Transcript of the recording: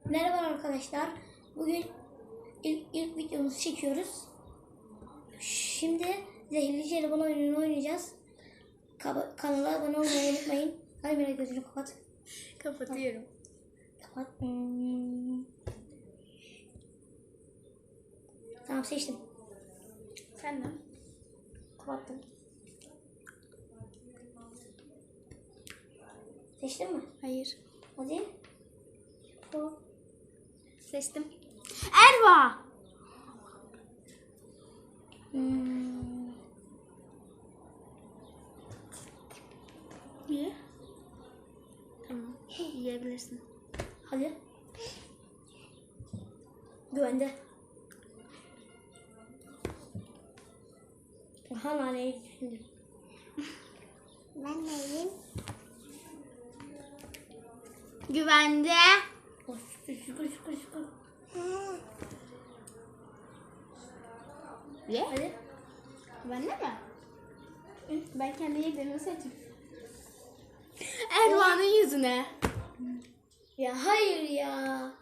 Merhaba arkadaşlar. Bugün ilk videomuzu çekiyoruz. Şimdi Zehirli Jelibon oyununu oynayacağız. Kanala abone olmayı unutmayın. Hadi Mira, gözünü kapat. Kapatıyorum. Kapat. Tamam, seçtim. Sen de. Kapattım. Seçtin mi? Hayır. Hadi. Seçtim. Erva. Ye. Tamam. Yiyebilirsin. Hadi. Güvende. Aha, naneyi düşündüm. Ben neyim? Güvende. Oh, şükür. Ye. Hadi. Güvende mi? Ben kendi yediğimi seçeyim. Erva'nın yüzüne. Ya hayır ya.